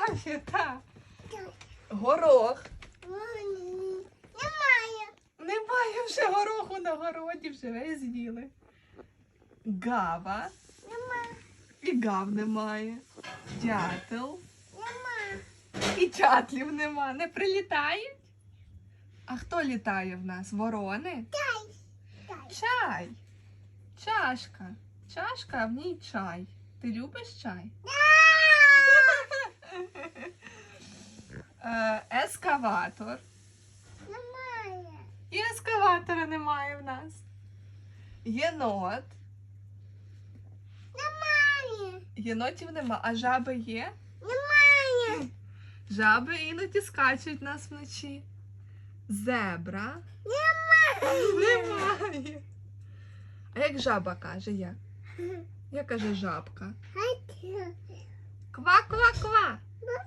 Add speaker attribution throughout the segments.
Speaker 1: Немає, так. Горох.
Speaker 2: Немає.
Speaker 1: Немає вже гороху на городі, вже весь з'їли. Гава.
Speaker 2: Нема.
Speaker 1: І гав немає. Дятел.
Speaker 2: Нема.
Speaker 1: І дятлів нема. Не прилітають? А хто літає в нас? Ворони?
Speaker 2: Дай.
Speaker 1: Чай. Чашка. Чашка, а в ній чай. Ти любиш чай? Ескаватор.
Speaker 2: Немає.
Speaker 1: І ескаватора немає в нас. Єнот.
Speaker 2: Немає.
Speaker 1: Єнотів нема. А жаби є?
Speaker 2: Немає.
Speaker 1: Жаби іноді скачуть нас вночі. Зебра. Немає. А як жаба каже, як? Як каже жабка? Ква-ква-ква.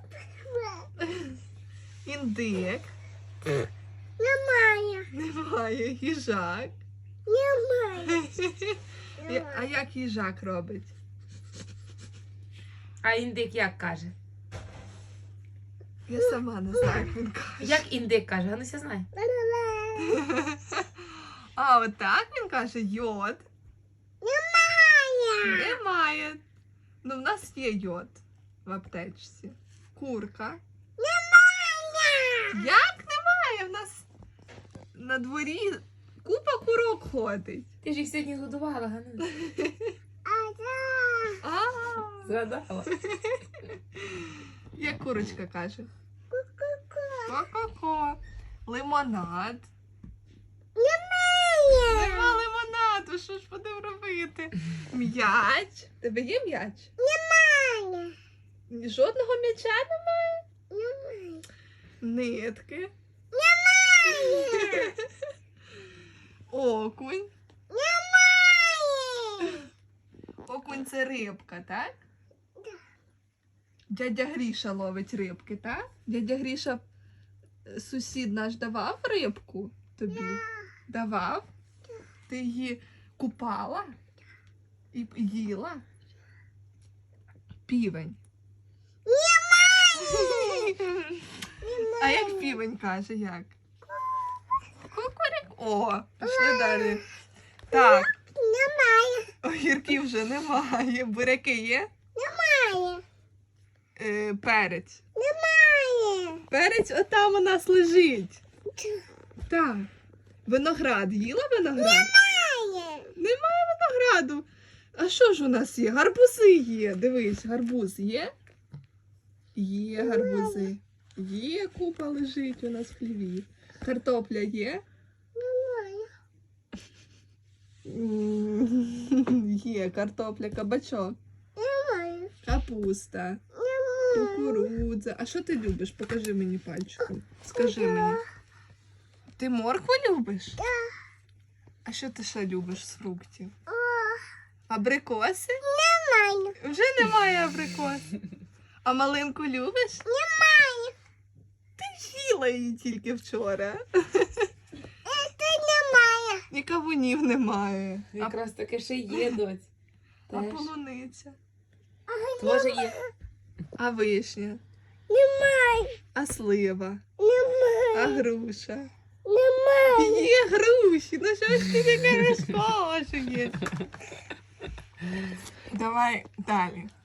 Speaker 1: Індик.
Speaker 2: Немає.
Speaker 1: Немає. Їжак.
Speaker 2: Немає.
Speaker 1: А як їжак робить?
Speaker 3: А індик як каже?
Speaker 1: Я сама не знаю, як він каже.
Speaker 3: Як індик каже? Гануся знає.
Speaker 1: А отак він каже йод.
Speaker 2: Немає.
Speaker 1: Немає. Ну, в нас є йод в аптечці. Курка.
Speaker 2: Немає.
Speaker 1: Як немає? В нас на дворі купа курок ходить.
Speaker 3: Ти ж їх сьогодні годувала, Гануся.
Speaker 1: А,
Speaker 3: Згадала.
Speaker 1: як курочка каже? Ко-ко-ко. Лимонад. Нема лимонаду, що ж будемо робити? М'яч. Тебе є м'яч?
Speaker 2: Немає.
Speaker 1: Жодного м'яча немає?
Speaker 2: Немає.
Speaker 1: Нитки.
Speaker 2: Немає.
Speaker 1: Окунь.
Speaker 2: Немає.
Speaker 1: Окунь це рибка, так? Дядя Гріша ловить рибки, так? Дядя Гріша, сусід наш, давав рибку тобі? Давав? Ти її купала? І їла? Півень. А як півень каже, як? Кукурик. О, пішли далі. Так,
Speaker 2: Немає.
Speaker 1: огірків вже немає. Буряки є?
Speaker 2: Немає.
Speaker 1: Перець.
Speaker 2: Немає.
Speaker 1: Перець отам у нас лежить. Так. Виноград. Їла виноград?
Speaker 2: Немає.
Speaker 1: Немає винограду. А що ж у нас є? Гарбузи є. Дивись, гарбуз є? Є гарбузи. Є, купа лежить у нас в хліві. Картопля є?
Speaker 2: Немає.
Speaker 1: Є картопля, кабачок,
Speaker 2: Немає.
Speaker 1: капуста, кукурудза. А що ти любиш? Покажи мені пальчиком. Скажи мені. Ти моркву любиш? А що ти ще любиш з фруктів? Абрикоси?
Speaker 2: Немає.
Speaker 1: Вже немає абрикос. А малинку любиш?
Speaker 2: Немає.
Speaker 1: Ти їла її тільки вчора.
Speaker 2: Це немає.
Speaker 1: І кавунів немає.
Speaker 3: Якраз таке ще є, доць.
Speaker 1: А
Speaker 3: Теж.
Speaker 1: полуниця?
Speaker 3: Теж є.
Speaker 1: А вишня?
Speaker 2: Немає.
Speaker 1: А слива?
Speaker 2: Немає.
Speaker 1: А груша?
Speaker 2: Немає.
Speaker 1: Є груші, ну що ж ти таке розкошуєш? Давай далі.